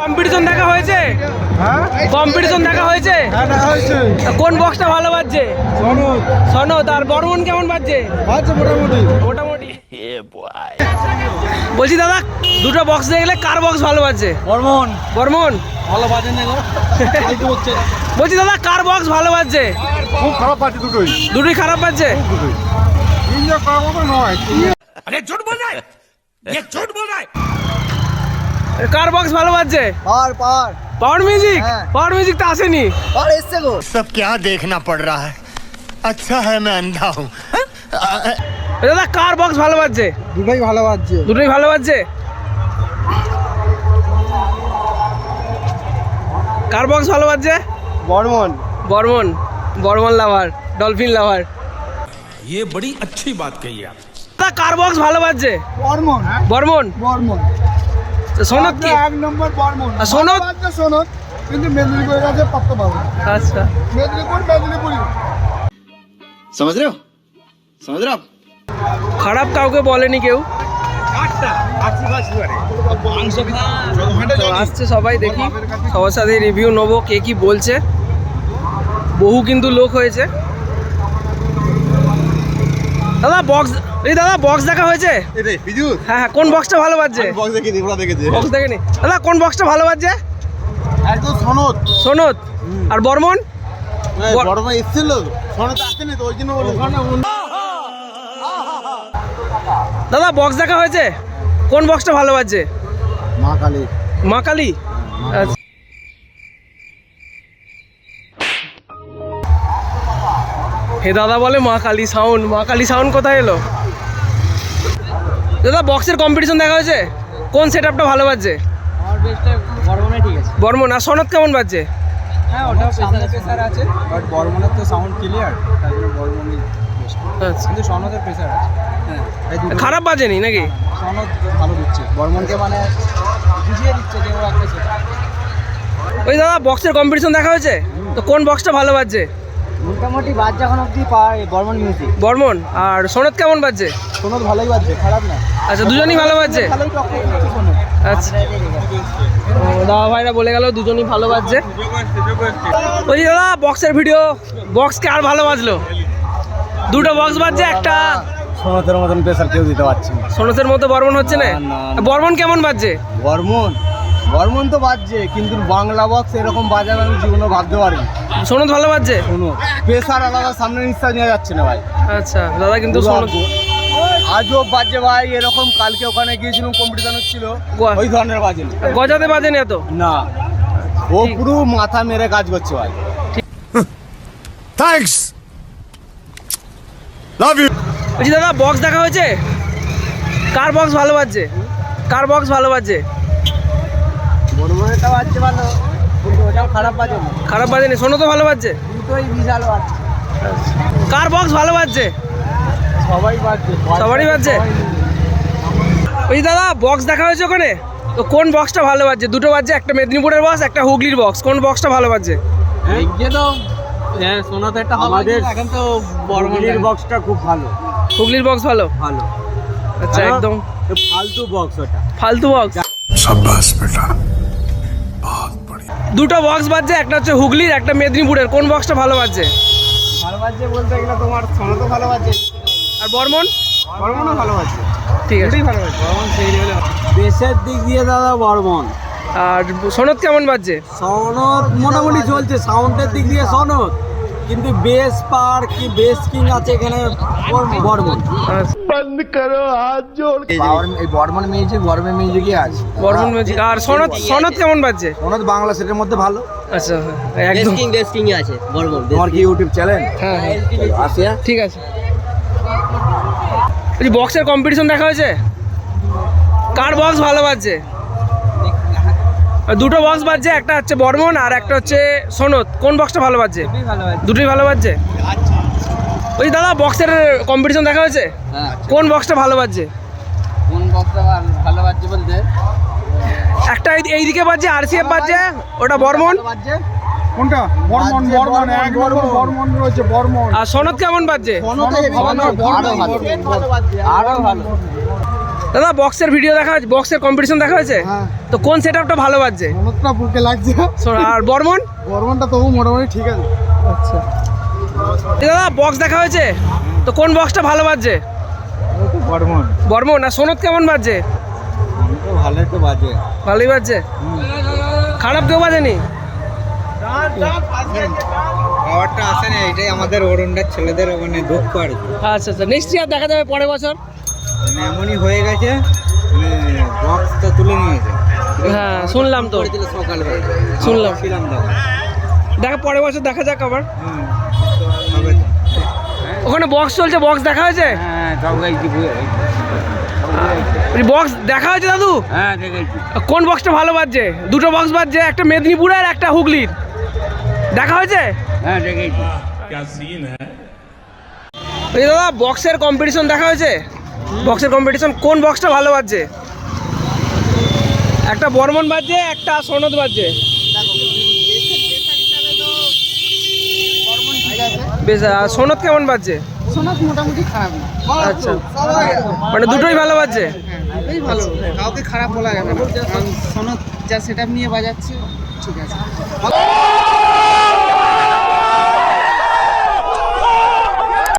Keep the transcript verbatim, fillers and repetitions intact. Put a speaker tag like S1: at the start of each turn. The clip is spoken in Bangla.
S1: কম্পিটিশন দেখা হয়েছে?
S2: হ্যাঁ
S1: কম্পিটিশন দেখা হয়েছে?
S2: হ্যাঁ দেখা হয়েছে।
S1: কোন বক্সটা ভালো বাজছে?
S2: সনদ
S1: সনদ। আর বর্মন কেমন বাজছে?
S2: বাজছে মোটামুটি
S1: মোটামুটি। বলছি দাদা, দুটো বক্স দেখলে কার বক্স ভালো বাজছে?
S2: বর্মন
S1: বর্মন।
S2: ভালো বাজে না গো, ফালতু হচ্ছে।
S1: বলছি দাদা, কার বক্স ভালো বাজছে?
S2: খুব খারাপ বাজে দুটোই,
S1: দুটোই খারাপ বাজছে।
S2: দুটোই ইঞ্জয় করার মতো নয়।
S3: अरे झूठ बोल रहा है, ये झूठ बोल रहा है।
S1: কার বক্স ভালো বাজছে?
S4: পার পার
S1: পাওয়ার মিউজিক।
S4: হ্যাঁ।
S1: পাওয়ার মিউজিক তো আসেনি।
S4: পার এসছে গো।
S3: सब क्या देखना पड़ रहा है, अच्छा है मैं अंधा हूँ।
S1: দাদা, কার বক্স ভালো বাজছে?
S2: দুটোই ভালো বাজছে।
S1: দুটোই ভালো বাজছে। কার বক্স ভালো বাজছে?
S2: Burman.
S1: Burman. Burman lover, dolphin lover.
S3: ये बड़ी अच्छी बात कही आप।
S1: দাদা, কার বক্স ভালো বাজছে?
S2: বর্মন
S1: বর্মন।
S2: বর্মন
S1: সনদ কি?
S2: এক নম্বর বর্মন।
S1: আর সনদ?
S2: বাজছে সনদ, কিন্তু মেদিনীপুরের কাছে পাত্তা পাবো।
S1: আচ্ছা।
S2: মেদিনীপুর মেদিনীপুরি।
S4: समझ रहे हो समझ रहे हो आप?
S1: খারাপ কাউকে বলেনি কেউ। তো আসছে সবাই, দেখি সবার সাথে রিভিউ নেবো কে কি বলছে। বহু কিন্তু লোক হয়েছে। দাদা বক্স, এই দাদা বক্স দেখা হয়েছে? হ্যাঁ হ্যাঁ, কোন বক্সটা ভালো বাজছে?
S2: বক্স দেখিনি, ওরা দেখেছে।
S1: বক্স দেখেনি। দাদা, কোন বক্সটা ভালো বাজছে?
S2: একদম সনদ।
S1: সনদ। আর বর্মন? বর-
S2: বর্মন এসেছিল, সনদ আসেনি তো, ওই জন্য বলে
S1: দাদা বক্স দেখা হয়েছে? কোন বক্সটা ভালো বাজছে?
S2: মা কালী।
S1: মা কালী। আচ্ছা। হে দাদা বলে মা কালী সাউন্ড। মা কালী সাউন্ড কোথায় এলো? দাদা, বক্সের কম্পিটিশন দেখা হয়েছে? কোন সেট আপটা ভালো বাজছে?
S4: আমার বেস্টটা বর্মনে ঠিক আছে।
S1: বর্মন। আর সনদ কেমন বাজছে?
S4: হ্যাঁ ওটাও সামনে প্রেসার আছে, বাট বর্মনের তো সাউন্ড ক্লিয়ার, তাই জন্য বর্মনই বেস্ট।
S1: আচ্ছা।
S4: কিন্তু সনদের প্রেসার আছে। হ্যাঁ এই দুটো
S1: খারাপ বাজেনি নাকি?
S4: সনদ ভালো দিচ্ছে, বর্মনকে মানে বুঝিয়ে দিচ্ছে যে ও একটা সেট।
S1: ওই দাদা, বক্সের কম্পিটিশন দেখা হয়েছে? তো কোন বক্সটা ভালো বাজছে?
S4: মোটামুটি বাজ যখন অব্দি পায় বর্মন মিউজিক।
S1: বর্মন। আর সনদ কেমন বাজছে?
S4: সনদ ভালোই বাজছে, খারাপ না।
S1: আচ্ছা, দুজনই ভালো বাজছে।
S4: ভালোই টক্কর দিচ্ছে সনদ।
S1: আচ্ছা। ও, দাদা ভাইরা বলে গেল দুজনই ভালো বাজছে। বলছি দাদা, বক্সের ভিডিও, বক্সকে আর ভালো বাজলো? দুটো বক্স বাজছে, একটা
S2: সনদের মতন প্রেসার কেউ দিতে পারছে না।
S1: সনদের মতো বর্মন হচ্ছে না।
S2: না, না।
S1: বর্মন কেমন বাজছে?
S2: বর্মন বর্মন তো বাজছে, কিন্তু বাংলা বক্স এরকম বাজাবে আমি জীবনে ভাবতে পারিনি।
S1: সনদ ভালো বাজছে।
S2: শোনো, প্রেসার আলাদা, সামনে নিঃশ্বাস নেওয়া যাচ্ছে না ভাই।
S1: আচ্ছা দাদা, কিন্তু সনদ
S2: আজও বাজে ভাই এরকম। কালকে ওখানে গিয়েছিলাম, কম্পিটিশন হচ্ছিল,
S1: গোয়া।
S2: ওই ধরনের বাজে না।
S1: গজাতে বাজেনি এত?
S2: না, ও
S1: ঠিক।
S2: পুরো মাথা মেরে কাজ করছে ভাই।
S3: Thanks, love you.
S1: বলছি দাদা, বক্স দেখা হয়েছে? কার বক্স ভালো বাজছে? কার বক্স ভালো বাজছে?
S4: বর্মনেরটা বাজছে ভালো, কিন্তু ওটাও খারাপ বাজে না।
S1: খারাপ বাজেনি। সনদও ভালো বাজছে।
S4: দুটোই বিশাল বাজছে।
S1: কার বক্স ভালো বাজছে?
S4: সবাই বাজছে,
S1: সবারই বাজছে। ওই দাদা, বক্স দেখা হয়েছে ওখানে? তো কোন বক্সটা ভালো বাজছে? দুটো বাজছে, একটা মেদিনীপুরের বক্স, একটা হুগলির বক্স। কোন বক্সটা ভালো বাজছে?
S4: দেখছে তো হ্যাঁ, সোনাতে একটা হবে,
S2: আমাদের
S4: এখন তো বর্মনের
S2: বক্সটা খুব ভালো
S1: হুগলির বক্স ভালো।
S2: ভালো
S1: আচ্ছা, একদম
S2: ফালতু বক্স ওটা।
S1: ফালতু বক্স।
S3: शाबाश बेटा, बहुत बढ़िया।
S1: দুটো বক্স বাজছে, একটা হচ্ছে হুগলির, একটা মেদিনীপুরের। কোন বক্সটা ভালো বাজছে?
S4: ভালো বাজছে বলতে গেলে তোমার সোনাতে ভালো বাজছে,
S1: আর বর্মন?
S4: বর্মনও ভালো বাজছে।
S1: ঠিক আছে।
S4: ভালো বাজছে বর্মন সেই লেভেলে। বেসের দিক দিয়ে দাদা বর্মন।
S1: আর সনদ কেমন বাজছে?
S4: সনদ মোটামুটি চলছে, সাউন্ডের দিক দিয়ে সনদ, কিন্তু বেস পার কি বেস কিং আছে এখানে বর্মন।
S1: আচ্ছা,
S4: পাওয়ার এই বর্মন মিউজিক, বর্মন মিউজিকই আছে।
S1: বর্মন মিউজিক। আর সনদ, সনদ কেমন বাজছে?
S2: সনদ বাংলা সেটের মধ্যে ভালো।
S1: আচ্ছা, হ্যাঁ, একদম।
S4: বেসকিং আছে বর্মন।
S2: তোমার কি ইউটিউব চ্যানেল?
S1: হ্যাঁ হ্যাঁ,
S2: আসিয়া
S1: ঠিক আছে। বলছি, বক্সের কম্পিটিশন দেখা হয়েছে? কার বক্স ভালো বাজছে? দুটো বক্স বাজছে, একটা হচ্ছে বর্মন আর একটা হচ্ছে সনদ। কোন বক্সটা ভালো বাজছে?
S4: ভালো বাজছে।
S1: দুটোই ভালো বাজছে। ওই দাদা, বক্সের কম্পিটিশন দেখা হয়েছে?
S4: হ্যাঁ,
S1: কোন বক্সটা ভালো বাজছে?
S4: কোন বক্সটা ভালো বাজছে বলতে
S1: একটা এই- এইদিকে বাজছে, আরসিএফ বাজছে, ওটা বর্মন।
S4: বাজছে
S2: কোনটা? বর্মন। বর্মন এক নম্বর বর্মন রয়েছে, বর্মন।
S1: আর সনদ কেমন বাজছে?
S4: আরো ভালো, আরো ভালো।
S1: দাদা বক্সের ভিডিও দেখা হয়েছে, বক্সের কম্পিটিশন দেখা হয়েছে?
S4: হ্যাঁ।
S1: তো কোন সেট আপটা ভালো বাজছে?
S4: মনটা বুকে লাগছে।
S1: আর বর্মন?
S4: বর্মনটা তবু মোটামুটি ঠিক আছে।
S1: আচ্ছা দাদা বক্স দেখা হয়েছে, তো কোন বক্সটা ভালো বাজছে?
S2: বর্মন
S1: বর্মন। আর সোনত কেমন বাজছে?
S2: তো ভালোই তো বাজে।
S1: ভালোই বাজছে, খারাপ কেউ বাজেনি?
S2: পাওয়ারটা আসে না, এটাই আমাদের অরুণদার ছেলেদের মানে দুঃখ আর কি।
S1: আচ্ছা আচ্ছা, নেক্সট ইয়ার দেখা যাবে পরের বছর।
S2: মানে এমনই হয়ে গেছে, মানে বক্সটা তুলে নিয়েছে।
S1: হ্যাঁ শুনলাম তো,
S2: করেছিল সকালবেলা,
S1: শুনলাম।
S2: ছিলাম তখন।
S1: দেখা পরের বছর দেখা যাক আবার।
S2: হুম, হবে তো।
S1: ওখানে বক্স চলছে, বক্স দেখা হয়েছে?
S2: হ্যাঁ সব গাইছি,
S1: বক্স দেখা হয়েছে দাদু?
S2: হ্যাঁ দেখেছি।
S1: কোন বক্সটা ভালো বাজছে? দুটো বক্স বাজছে, একটা মেদিনীপুরের আর একটা হুগলির। দেখা হয়েছে?
S2: হ্যাঁ দেখেছি।
S1: এই দাদা বক্সের কম্পিটিশন দেখা হয়েছে? বক্সের কম্পিটিশন কোন বক্সটা ভালো বাজছে? একটা বর্মন বাজছে, একটা সনদ বাজছে। বেশ, আর সনদ কেমন বাজছে?
S4: সোনাত মোটামুটি খারাপ না।
S1: আচ্ছা, মানে দুটোই ভালো বাজছে।
S4: এই ভালো, কাউকে খারাপ বলা যাবে না, কারণ সোনাত যা সেটআপ নিয়ে বাজাচ্ছে ঠিক আছে।